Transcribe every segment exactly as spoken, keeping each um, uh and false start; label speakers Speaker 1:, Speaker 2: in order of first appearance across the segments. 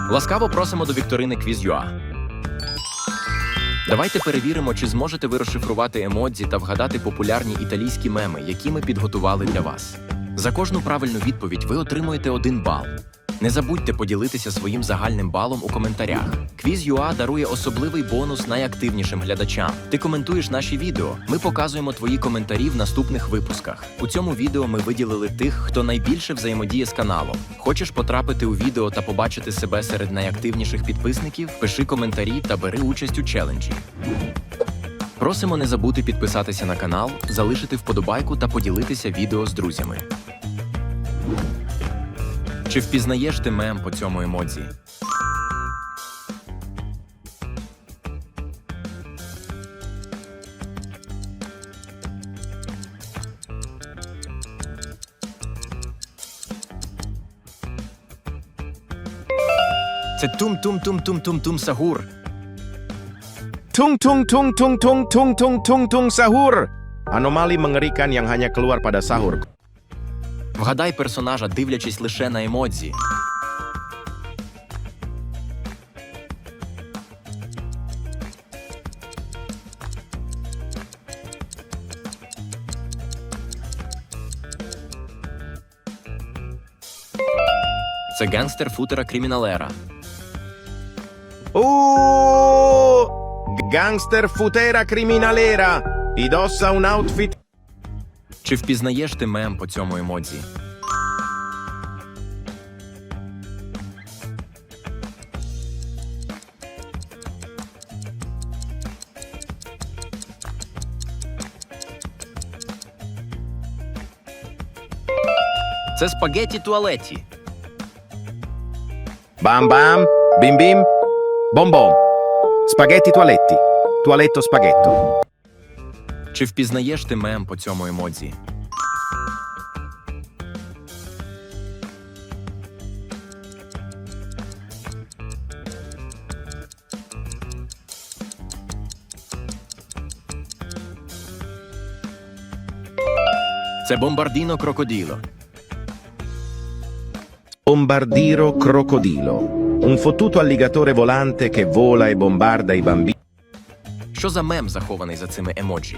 Speaker 1: Ласкаво просимо до вікторини Quiz.ua. Давайте перевіримо, чи зможете ви розшифрувати емодзі та вгадати популярні італійські меми, які ми підготували для вас. За кожну правильну відповідь ви отримуєте один бал. Не забудьте поділитися своїм загальним балом у коментарях. Quiz.ua дарує особливий бонус найактивнішим глядачам. Ти коментуєш наші відео, ми показуємо твої коментарі в наступних випусках. У цьому відео ми виділили тих, хто найбільше взаємодіє з каналом. Хочеш потрапити у відео та побачити себе серед найактивніших підписників? Пиши коментарі та бери участь у челенджі. Просимо не забути підписатися на канал, залишити вподобайку та поділитися відео з друзями. Чи впізнаєш ти мем по цьому емодзі? Це тум-тум-тум-тум-тум-тум сагур.
Speaker 2: Tung-tung-tung-tung-tung-tung-tung-tung sahur. Anomali mengerikan yang hanya keluar pada sahur.
Speaker 1: Вгадай персонажа, дивлячись лише на емодзі. Це гангстер футера Криміналера.
Speaker 2: Uh, gangster futera criminalera. Indossa un outfit.
Speaker 1: Чи впізнаєш ти мем по цьому емодзі? Це спагетті туалеті.
Speaker 2: Bam bam, bim bim, bom bom. Spaghetti toaletti. Tualetto spaghetto.
Speaker 1: Чи впізнаєш ти мем по цьому емодзі? Це бомбардіно крокоділо.
Speaker 2: Bombardiro crocodilo. Un fottuto alligatore volante che vola e bombarda i bambini.
Speaker 1: Що за мем захований за цими емоджі?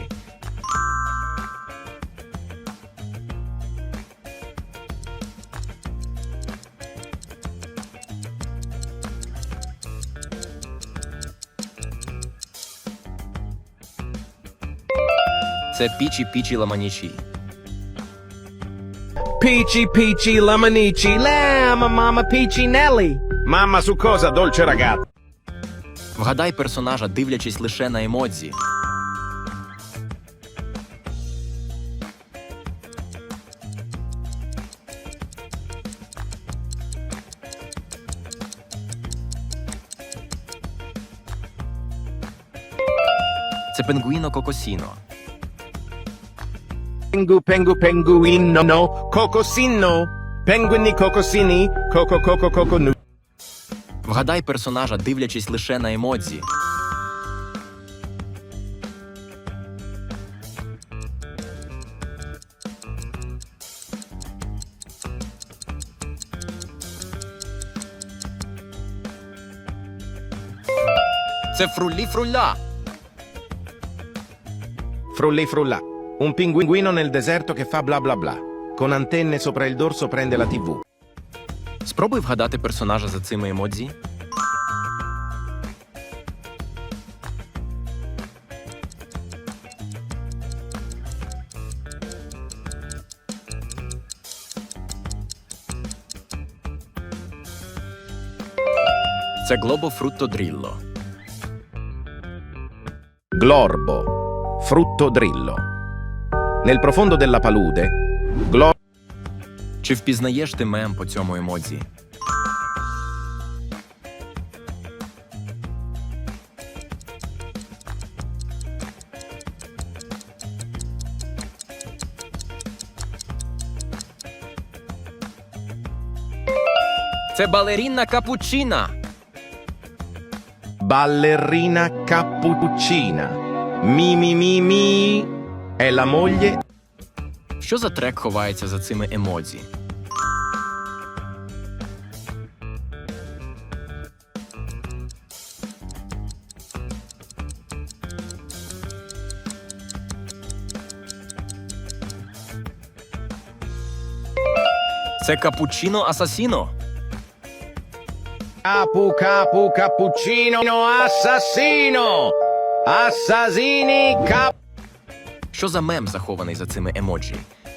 Speaker 1: Це пічі-пічі ламанічі.
Speaker 2: Peachy peachy lemonici. Lamma mamma peachy Nelly. Mamma su cosa, dolce ragazza.
Speaker 1: Вгадай персонажа, дивлячись лише на емодзі. Це пінгвіно Кокосіно.
Speaker 2: Pengu pengu penguino no cocosino. Penguini cocosini. Coco coco coco nu.
Speaker 1: Вгадай персонажа, дивлячись лише на емодзі. Це фруллі-фрулля.
Speaker 2: Frulli frulla. Un pinguino nel deserto che fa bla bla bla. Con antenne sopra il dorso prende la tivù.
Speaker 1: Спробуй вгадати персонажа за цими емодзі. Це Глобо Фрутто Дрілло.
Speaker 2: Glorbo. Frutto drillo. Nel profondo della palude. Glo.
Speaker 1: Чи впізнаєш ти мем по цьому емодзі? Це балерінна капучина.
Speaker 2: Ballerina cappuccina. Mi mi mi mi. È la moglie.
Speaker 1: Що за трек ховається за цими емодзі? Це капучино асасіно.
Speaker 2: Capu capu cappuccino assassino! Assassini cap...
Speaker 1: Що за мем захований за цими емоджі?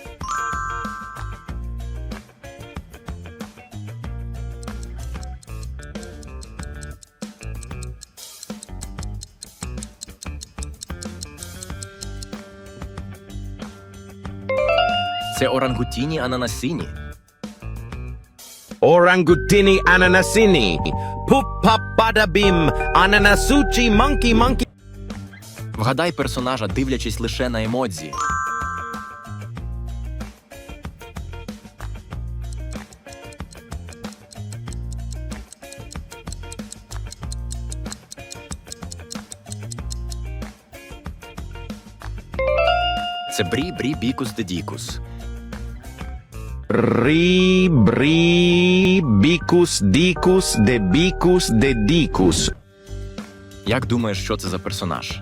Speaker 1: Це орангутіні ананасіні.
Speaker 2: Orangutini ananasini! Puppa badabim! Ananasucci monkey monkey!
Speaker 1: Вгадай персонажа, дивлячись лише на емодзі. Це брі брі бікус де дікус.
Speaker 2: Ri bri bicus dicus de bicus de dicus.
Speaker 1: Як думаєш, що це за персонаж?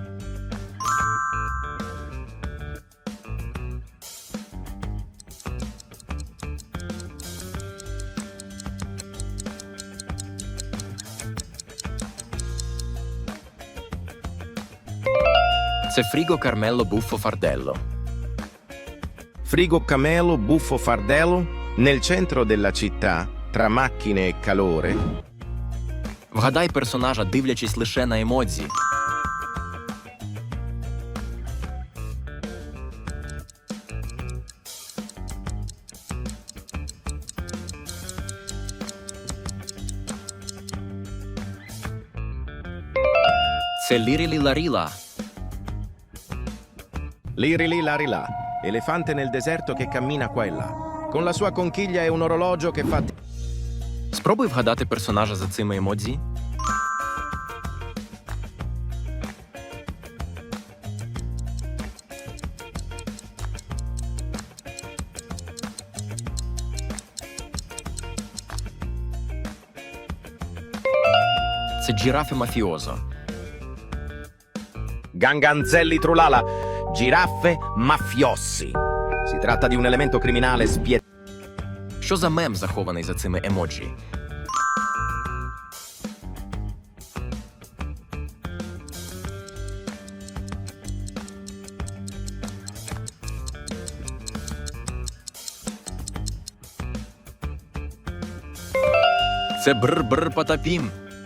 Speaker 1: Це Фріго Кармело Буффо Фарделло.
Speaker 2: Frigo camelo buffo fardello nel centro della città, tra macchine e calore.
Speaker 1: Вгадай персонажа, дивлячись лише на емодзі. Це Лірілі Ларіла.
Speaker 2: Liri lì lari là, elefante nel deserto che cammina qua e là. Con la sua conchiglia e un orologio che fa...
Speaker 1: Спробуй вгадати персонажа за цими емодзі. Це Джірафи Мафіозо.
Speaker 2: Ganganzelli trulala, giraffe mafiossi. Si tratta di un elemento criminale spietato.
Speaker 1: Що за мем захований за цими емоджі? Це бр-бр патапім.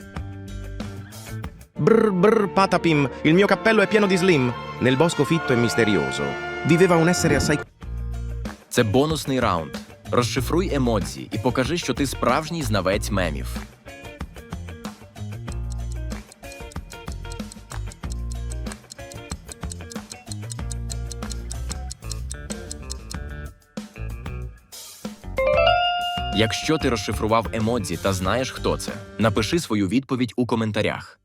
Speaker 2: Brr brr patapim, il mio cappello è pieno di slim. Nel bosco fitto e misterioso viveva un essere assai...
Speaker 1: Це бонусний раунд. Розшифруй емодзі і покажи, що ти справжній знавець мемів. Якщо ти розшифрував емодзі та знаєш, хто це, напиши свою відповідь у коментарях.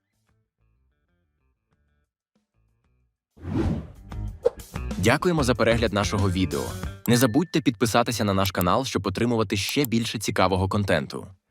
Speaker 1: Дякуємо за перегляд нашого відео. Не забудьте підписатися на наш канал, щоб отримувати ще більше цікавого контенту.